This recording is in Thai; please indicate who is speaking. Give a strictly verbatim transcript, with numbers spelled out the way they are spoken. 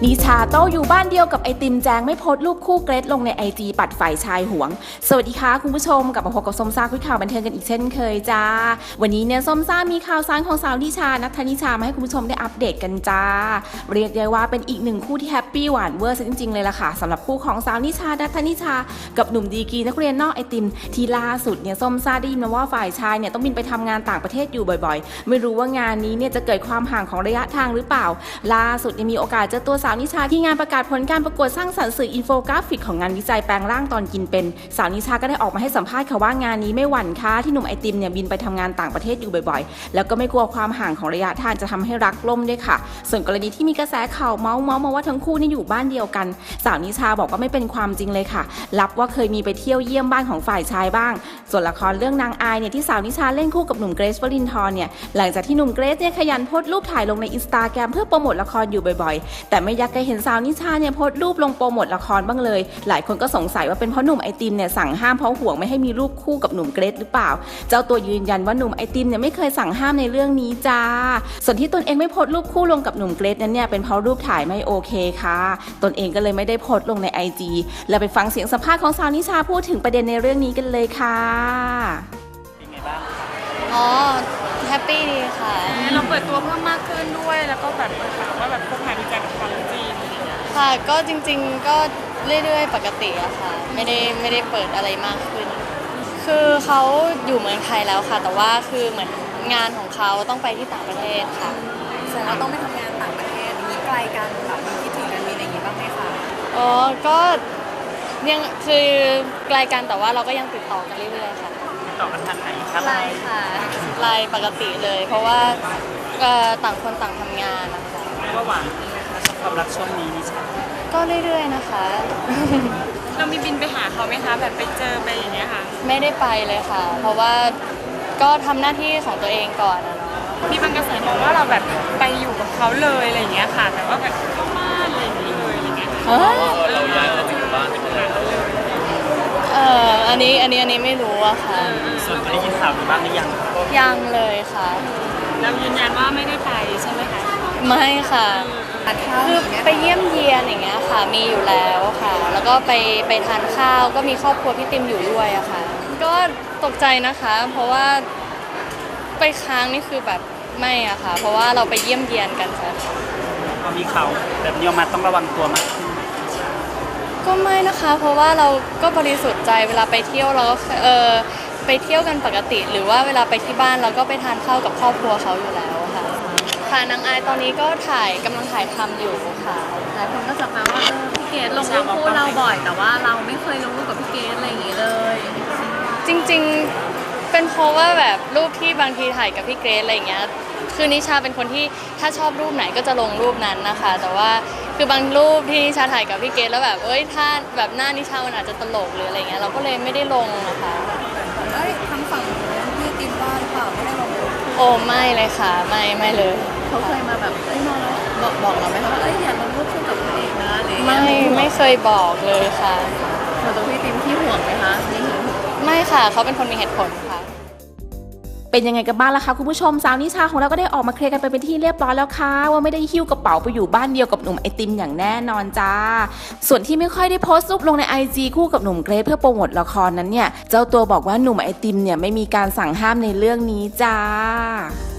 Speaker 1: นิชาโต้อยู่บ้านเดียวกับไอติมแจงไม่โพสต์รูปคู่เกรทลงในไอจีปัดฝ่ายชายหวงสวัสดีค่ะคุณผู้ชมกลับมาพบกับส้มซ่าคุยข่าวบันเทิงกันอีกเช่นเคยจ้าวันนี้เนี่ยส้มซ่ามีข่าวสารของสาวนิชานัทธนิชามาให้คุณผู้ชมได้อัปเดตกันจ้าเรียกได้ว่าเป็นอีกหนึ่งคู่ที่แฮปปี้หวานเวอร์ซะจริงๆเลยล่ะค่ะสำหรับคู่ของสาวนิชานัทธนิชากับหนุ่มดีกรีนักเรียนนอกไอติมที่ล่าสุดเนี่ยส้มซ่าได้ยินมาว่าฝ่ายชายเนี่ยต้องบินไปทำงานต่างประเทศอยู่บ่อยๆไม่รู้ว่างานนี้เนี่ยจะเกิดความห่างของระยะทางหรือเปล่าล่าสุดเนี่ยมีโอกาสเจอตัวสาวนิชาที่งานประกาศผลการประกวดสร้างสรรค์สื่ออินโฟกราฟิกของงานวิจัยแปลงร่างตอนกินเป็นสาวนิชาก็ได้ออกมาให้สัมภาษณ์ค่ะว่างานนี้ไม่หวั่นค่ะที่หนุ่มไอติมเนี่ยบินไปทำงานต่างประเทศอยู่บ่อยๆแล้วก็ไม่กลัวความห่างของระยะทางจะทำให้รักล่มด้วยค่ะส่วนกรณีที่มีกระแสข่าวเมาส์มาว่าทั้งคู่นี่อยู่บ้านเดียวกันสาวนิชาบอกว่าไม่เป็นความจริงเลยค่ะรับว่าเคยมีไปเที่ยวเยี่ยมบ้านของฝ่ายชายบ้างส่วนละครเรื่องนางอายเนี่ยที่สาวนิชาเล่นคู่กับหนุ่มเกรซวรินทร์เนี่ยหลังจากที่หนุ่มเกรซเนี่ยขยันโพสต์รูปถ่ายลงในอินสตาแกรมเพื่อโปรโมทละครอยู่บ่อยๆแต่ไม่อยากเคยเห็นสาวนิชาเนี่ยโพสต์รูปลงโปรโมทละครบ้างเลยหลายคนก็สงสัยว่าเป็นเพราะหนุ่มไอติมเนี่ยสั่งห้ามเพราะห่วงไม่ให้มีรูปคู่กับหนุ่มเกรซหรือเปล่าเจ้าตัวยืนยันว่าหนุ่มไอติมเนี่ยไม่เคยสั่งห้ามในเรื่องนี้จ้าส่วนที่ตนเองไม่โพสต์รูปคู่ลงกับหนุ่มเกรซนั้นเนี่ยเป็นเพราะรูปถ่ายไม่โอเคค่ะตนเองก็เลยไม่ได้โพสต์ลงใน ไอ จี แล้วไปฟังเสียงสัมภาษณ์ของสาวนิชาพูดถึงประเด็นในเรื่องนี้กันเลยค่ะ
Speaker 2: เป็นไงบ้าง
Speaker 3: อ๋อแฮปปี้ดีค่ะ
Speaker 4: เราเปิดตัวเพิ่มมากขึ้นด้วยแล้วก็แบบว่าแบบพวกงานวิจัยกับความจริง
Speaker 3: ค่ะก็จริงๆก็เรื่อยๆปกติอะค่ะไม่ได้ไม่ได้เปิดอะไรมากขึ้นคือเขาอยู่เมืองไทยแล้วค่ะแต่ว่าคือเหมือนงานของเขาต้องไปที่ต่างประเทศค่ะ
Speaker 5: แสดงว่าต้องไปทำงานต่างประเทศมีไกลกันแบบมีคิดถึงกันมีอะไรอย่างงี้บ้างไหมคะ
Speaker 3: อ๋อก็ยังคือไกลกันแต่ว่าเราก็ยังติดต่อกันเรื่อยๆค่ะ
Speaker 2: ติดต่อกันทางไหนครับ
Speaker 3: ไลน์ค่ะไลน์ปกติเลยเพราะว่าต่างคนต่างทำงานนะคะ
Speaker 2: เรียกว่าหวานความรักช่วงนี้นี่ใช่
Speaker 3: ก็เรื่อยๆนะคะ
Speaker 4: เรามีบินไปหาเขาไหมคะแบบไปเจอไปอย่างเงี้ยค่ะ
Speaker 3: ไม่ได้ไปเลยค่ะเพราะว่าก็ทำหน้าที่ของตัวเองก่อนนะเนาะ
Speaker 4: มีบางกระแสบอกว่าเราแบบไปอยู่กับเขาเลยอะไรอย่างเงี้ยค่ะแต่ว่าแบบเข้าบ้านอะไรอย่างเงี้ยเลยอะไรเงี้ย
Speaker 2: เราย้ายมาอยู่บ้านเป็นอะไร
Speaker 3: เอออันนี้อันนี้อันนี้ไม่รู้อะค่ะ
Speaker 2: ส่วนได้ยินข่าวบ้างหรือยัง
Speaker 3: ยังเลยค่ะ
Speaker 4: เรายืนยันว่าไม่ได้ไปใช่ไหมคะ
Speaker 3: ไม่ค่ะคือไปเยี่ยมเยียนอย่างเงี้ยค่ะมีอยู่แล้วค่ะแล้วก็ไปไปทานข้าวก็มีครอบครัวพี่ติมอยู่ด้วยอะค่ะก็ตกใจนะคะเพราะว่าไปค้างนี่คือแบบไม่อะค่ะเพราะว่าเราไปเยี่ยมเยียนกันค่ะ
Speaker 2: พอมีข่าวแบบนี้ออกมาต้องระวังตัวมากขึ้น
Speaker 3: ก็ไม่นะคะเพราะว่าเราก็บริสุทธิ์ใจเวลาไปเที่ยวเราก็เออไปเที่ยวกันปกติหรือว่าเวลาไปที่บ้านเราก็ไปทานข้าวกับครอบครัวเขาอยู่แล้วค่ะค่ะนางอายตอนนี้ก็ถ่ายกำลังถ่ายทำอยู่ค่ะ
Speaker 5: หลายคนก็จับมาว่าพี่เกดลงรูปคู่เราบ่อยแต่ว่าเราไม่เคยลงรูปกับพี่เกดอะไรอย่างงี้เลย
Speaker 3: จริงๆเป็นเพราะว่าแบบรูปที่บางทีถ่ายกับพี่เกรซอะไรอย่างเงี้ยคือนิชาเป็นคนที่ถ้าชอบรูปไหนก็จะลงรูปนั้นนะคะแต่ว่าคือบางรูปที่นิชาถ่ายกับพี่เกรซแล้วแบบเอ้ยถ้าแบบหน้านิชามันอาจจะตลกหรืออะไรเงี้ยเราก็เลยไม่ได้ลงนะคะ
Speaker 5: เอ้ยทางฝั่งพี่ติมว่าหรือเปล่าไม่ได้ลง
Speaker 3: โอ้ไม่เลยค่ะไม่ไม่เลย
Speaker 5: เขาเคยมาแบบเอ้ยมาแล้วบอกบอกเราไหมคะว่าเอ้ยอย่าลงรูปคู่กับพี่เอกนะอะไรอย่างเงี้
Speaker 3: ยไม่ไม่เคยบอกเลยค่ะ
Speaker 5: ส่วนตัวพี่ติมที่ห่วงไหมคะ
Speaker 3: ไม่ค่ะเขาเป็นคนมีเหตุผลค่ะ
Speaker 1: เป็นยังไงกันบ้างล่ะคะคุณผู้ชมสาวนิชาของเราก็ได้ออกมาเคลียร์กันไปเป็นที่เรียบร้อยแล้วค่ะว่าไม่ได้หิ้วกระเป๋าไปอยู่บ้านเดียวกับหนุ่มไอติมอย่างแน่นอนจ้าส่วนที่ไม่ค่อยได้โพสต์รูปลงใน ไอ จี คู่กับหนุ่มเกรซเพื่อโปรโมทละครนั้นเนี่ยเจ้าตัวบอกว่าหนุ่มไอติมเนี่ยไม่มีการสั่งห้ามในเรื่องนี้จ้า